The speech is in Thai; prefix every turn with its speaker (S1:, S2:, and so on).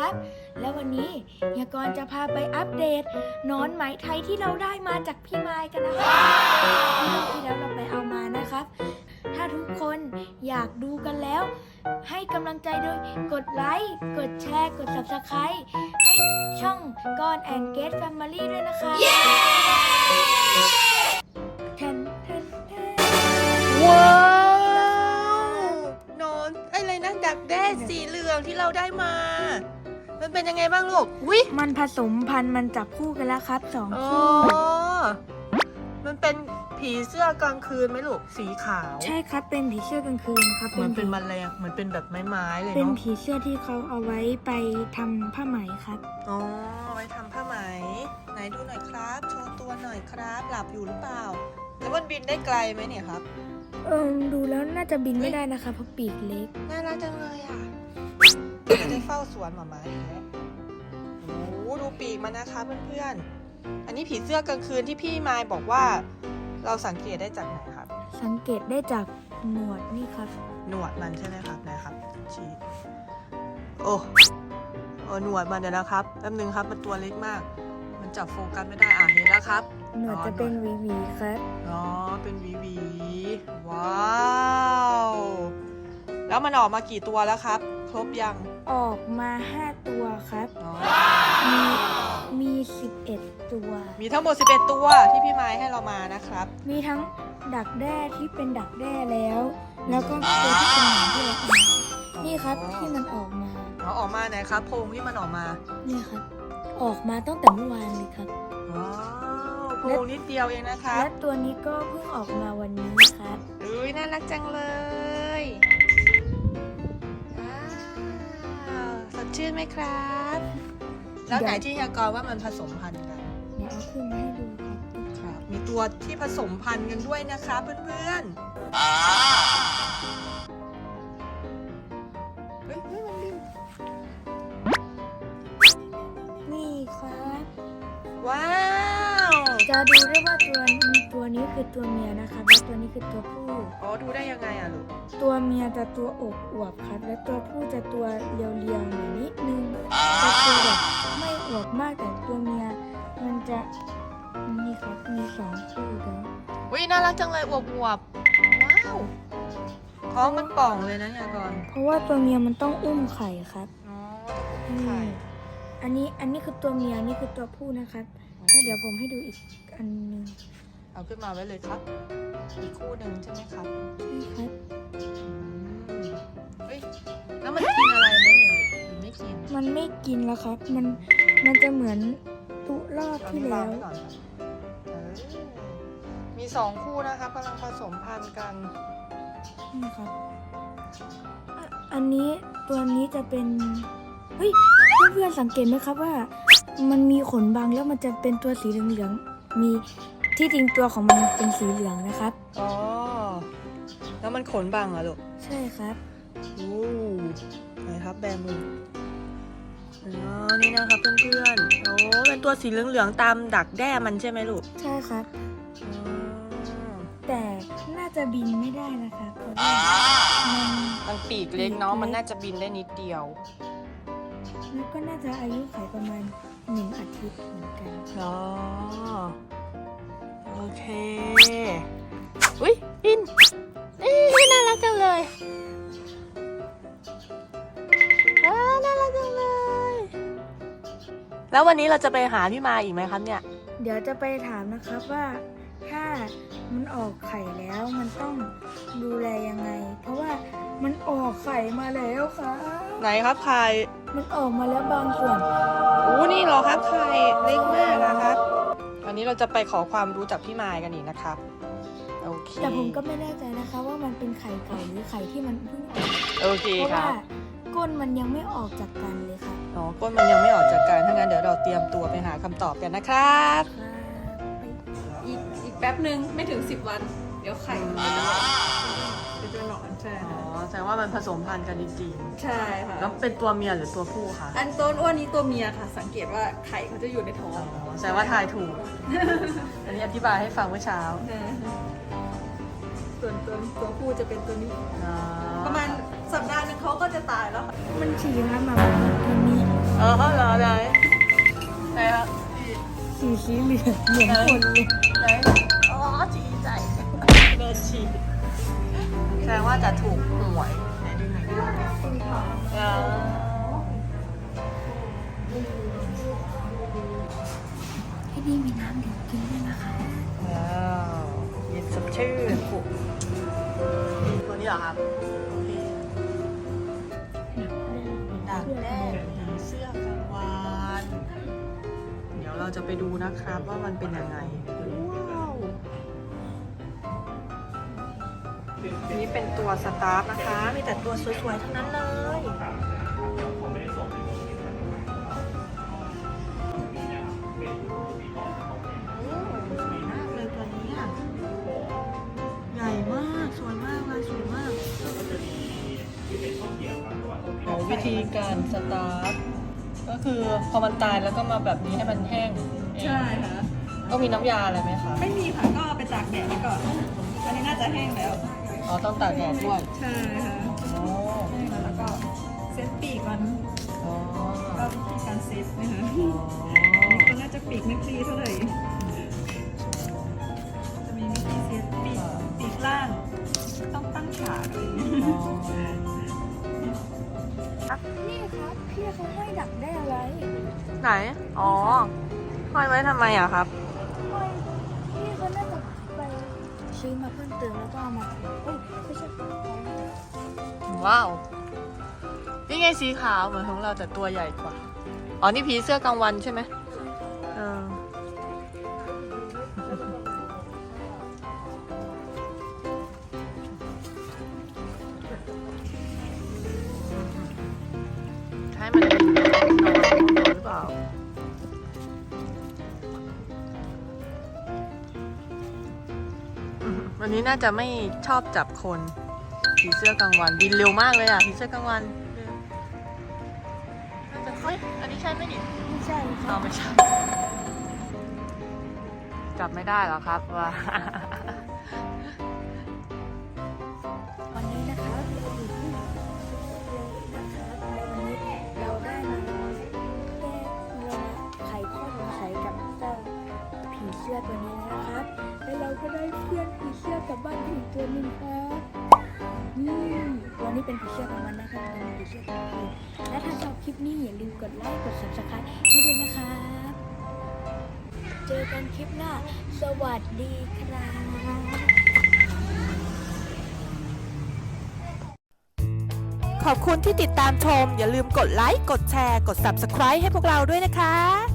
S1: ครับและวันนี้เฮียกรณ์จะพาไปอัปเดตหนอนไหมไทยที่เราได้มาจากพี่ไมค์กันนะครับที่แล้วเราไปเอามานะครับ ถ้าทุกคนอยากดูกันแล้ว ให้กำลังใจโดยกดไลค์กดแชร์กด Subscribe ให้ช่องกรแอนเกตแฟมิลี่ด้วยนะคะแทนแทนแทน
S2: ว้าวนอนอะไรนะดักแด้สีเหลืองที่เราได้มา มันเป็นยังไงบ้างลูกวิ
S1: มันผสมพันธุ์มันจับคู่กันแล้วครับสอง
S2: อ๋อ
S1: คู่
S2: มันเป็นผีเสื้อกลางคืนไหมลูกสีขาว
S1: ใช่ครับเป็นผีเสื้อกลางคืนครับ
S2: เหมือนเป็นแมลงเหมือนเป็นแบบไม้ๆเลย
S1: เป็น
S2: เนาะ
S1: ผีเสื้อที่เขาเอาไว้ไปทำผ้าไหมครับ
S2: อ๋อไว้ทำผ้าไหมไหนดูหน่อยครับโชว์ตัวหน่อยครับหลับอยู่หรือเปล่าแล้วมันบินได้ไกลไหมเนี่ยครับ
S1: ดูแล้วน่าจะบินไม่ได้นะคะเพราะปีกเล็ก
S2: น่ารักจังเลยอ่ะจะได้เฝ้าสวนหมาม้าอีกแล้วโอ้โหดูปีกมันนะคะเพื่อนๆ อันนี้ผีเสื้อกลางคืนที่พี่มายบอกว่า เราสังเกตได้จากไหนครับ
S1: สังเกตได้จากหนวดนี่ครับ
S2: หนวดมันใช่ไหมครับนะครับชี้โอ้หนวดมันเดี๋ยวนะครับแป๊บนึงครับมันตัวเล็กมาก มันจับโฟกัสไม่ได้เห็นแล้วครับ
S1: หนวดจะเป็นหวีๆครับ
S2: อ๋อเป็นหวีว้าว แล้วมันออกมากี่ตัวแล้วครับ ครบยัง
S1: ออกมา5ตัวครับ
S2: อ๋อ
S1: มี11ตัว
S2: มีทั้งหมด11ตัวที่พี่ไม้ให้เรามานะครับ
S1: มีทั้งดักแด้ที่เป็นดักแด้แล้ว แล้วก็ตัวที่เป็นหนอนที่เราเอามานี่ครับที่มันออกมา
S2: ออกมาไหนครับโพรงที่มันออกมา
S1: นี่ครับ ออกมาตั้งแต่เมื่อวานเลยครับ
S2: ว้าวโพรงนิดเดียวเองนะครับ
S1: และตัวนี้ก็เพิ่งออกมาวันนี้ครับ
S2: อุ้ยน่ารักจังเลยว้าวสดชื่นไหมครับ แล้วไหนที่ยากรว่ามันผสมพันธุ์กัน
S1: เดี๋ยวเอาขึ้นมาให้ดูครับ
S2: ครับมีตัวที่ผสมพันธุ์กันด้วยนะคะเพื่อนๆเฮ้ยมันบิน
S1: นี่ครับ
S2: ว้าว
S1: จะดูได้ว่าตัวนี้คือตัวเมียนะครับและตัวนี้คือตัวผู้
S2: อ๋อดูได้ยังไงอะลูก
S1: ตัวเมียจะตัวอวบๆครับ และตัวผู้จะตัวเรียวๆหน่อยนิดนึงจะตัวแบบไม่อวบมากแต่ตัวเมียมันจะนี่ครับมี2คู่แล้ว
S2: วิน่ารักจังเลยอวบว้าวท้องมันป่องเลยนะยากร
S1: เพราะว่าตัวเมียมันต้องอุ้มไข่ครับ
S2: อ๋อ
S1: ไข่อันนี้คือตัวเมียนี่คือตัวผู้นะครับแล้วเดี๋ยวผมให้ดูอีกอันหนึง
S2: เอาขึ้นมาไว้เลยครับอีกคู่หนึ่งใช่ไหมครับ
S1: นี่ครับ
S2: เฮ้ยแล้วมันกินอะไรไหมเนี่ยหรือไม่กิน
S1: มันไม่กินแล้วครับ มันจะเหมือนตุรอบที่แล้ว
S2: เอานี่วางไว้ก่อนครับมี2คู่นะครับกำลังผสมพันธุ์กัน
S1: นี่ครับอันนี้ตัวนี้จะเป็นเฮ้ยเพื่อนๆสังเกตไหมครับว่า มันมีขนบางแล้วมันจะเป็นตัวสีเหลืองๆมีที่จริงตัวของมันเป็นสีเหลืองนะครับ
S2: อ๋อ แล้วมันขนบังเหรอลูก
S1: ใช่ครับ
S2: อู้ไหนครับแบมืออ๋อ นี่นะครับเพื่อนๆ โอ้เป็นตัวสีเหลืองๆตามดักแด้มันใช่ไหมลูก
S1: ใช่ครับ
S2: อ๋อ
S1: แต่น่าจะบินไม่ได้นะคะเพราะว่ามัน
S2: มันปีกเล็กเนาะ มันน่าจะบินได้นิดเดียว
S1: แล้วก็น่าจะอายุขัยประมาณ1 อาทิตย์เหมือนกัน
S2: อ๋อ โอเค อุ้ยบินน่ารักจังเลยน่ารักจังเลย แล้ววันนี้เราจะไปหาพี่มาอีกไหมครับเนี่ย
S1: เดี๋ยวจะไปถามนะครับว่าถ้ามันออกไข่แล้วมันต้องดูแลยังไง เพราะว่ามันออกไข่มาแล้วครับ
S2: ไหนครับไข่
S1: มันออกมาแล้วบางส่วน
S2: อู้นี่เหรอครับไข่เล็กมากนะครับวันนี้เราจะไปขอความรู้จากพี่มายกันอีกนะครับ โอเค
S1: แต่ผมก็ไม่แน่ใจนะคะว่ามันเป็นไข่เก่าหรือไข่ที่มันเพิ่งออก
S2: โอเค
S1: เพราะ
S2: ครั
S1: ว่า
S2: บ
S1: ก้นมันยังไม่ออกจากกันเลยครับ
S2: อ๋อก้นมันยังไม่ออกจากกันถ้างั้นเดี๋ยวเราเตรียมตัวไปหาคำตอบกันนะครับ
S3: อีกแป๊บนึงไม่ถึง10 วัน เดี๋ยวไข่มันก็จะเป็นตัวหนอนใช่
S2: อ๋อแสดงว่ามันผสมพันธุ์กันจริง
S3: ใช่ค่ะ
S2: ๆแล้วเป็นตัวเมียหรือตัวผู้คะ
S3: อันต้นอ้วนนี้ตัวเมียค่ะ สังเกตว่าไข่เขาจะอยู่ในท้อง
S2: อ๋อแสดงว่าทายถูก อันนี้อธิบายให้ฟังเมื่อเช้า
S3: ส่วนตัวผู้จะเป็นตัวนี้
S2: อ๋อ
S3: ประมาณสัปดาห์นึงเขาก็จะตายแล้วค่ะ
S1: มันฉี่ครับมาตัวนี้
S2: เอเหรอไหนครับ
S1: สีเหลืองเหมือนคนเลย
S2: ไหนอ๋อจีใจโดนฉีดแสดงว่าจะถูกหวยไหนดูไหนดูอ๋อ
S1: ที่นี่มีน้ำดื่มกินด้วยนะคะ
S2: ว้าวเย็นสดชื่นตัวนี้เหรอครับโอเคดักแด้ผีเสื้อกลางวันเดี๋ยวเราจะไปดูนะครับว่ามันเป็นยังไงว้าวอันนี้เป็นตัวสตาฟนะคะ มีแต่ตัวสวยๆทั้งนั้นเลยมากเลยตัวนี้อ่ะใหญ่มากสวยมากเลยสวยมากวิธีการสตาร์ทก็คือพอมันตายแล้วก็มาแบบนี้ให้มันแห้งเอง
S3: ใช่ค่ะ
S2: ก็มีน้ำยาอะไรไหมคะ
S3: ไม่มีค่ะก็เอาไปตากแดดไว้ก่อน อันนี้น่าจะแห้งแล้ว
S2: อ๋อต้องตากแดดด้วย
S3: ใช่ค่ะ
S2: อ๋อ
S3: แห้งแล้วแล้วก็เซตปีกมัน
S2: อ๋อ
S3: ก็วิธีการเซตนะคะ
S2: อ๋อ
S3: ตัวน่าจะปีกไม่คลีเท่าไหร่ จะมีวิธีเซตปีกล่าง ต้องตั้งฉากอะไรอย่างเงี้ย
S1: นี่ครับพี่เขาให้ดักได้อะไร
S2: ไหน อ๋อห้อยไว้ทำไมอะครับ
S1: ห้อยพี่เขาน่าจะไปซื้อมาเพิ่มเติมแล้วก็เอามาเอ้ยไม่ใช่
S2: ว้าว นี่ไงสีขาวเหมือนของเราแต่ตัวใหญ่กว่า อ๋อ นี่ผีเสื้อกลางวันใช่ไหมเออให้มันนอนหรือเปล่า วันนี้น่าจะไม่ชอบจับคนผีเสื้อกลางวันบินเร็วมากเลยอ่ะผีเสื้อกลางวันน่าจะเฮ้ยอันนี้ใช่ไหมดิ
S1: ไม่ใช่ค
S2: อ๋อ
S1: รับ
S2: ไม่ใช่ จับไม่ได้หรอครับว่า
S1: วันนี้นะครับเราอยู่ที่นะครับวันนี้เราได้มาแก้เรามาไขข้อสงสัยกับเจ้าผีเสื้อตัวนี้นะครับ แล้วเราก็ได้เพื่อนผีเสื้อกลับบ้านอีกตัวหนึ่งครับวันนี้เป็นผีเสื้อของมันนะครับเป็นผีเสื้อของพี่และถ้าชอบคลิปนี้อย่าลืมกดไลค์กด subscribe ให้ด้วยนะครับ เจอกันคลิปหน้า สวัสดีครับ
S4: ขอบคุณที่ติดตามชม อย่าลืมกดไลค์ กดแชร์ กด Subscribe ให้พวกเราด้วยนะคะ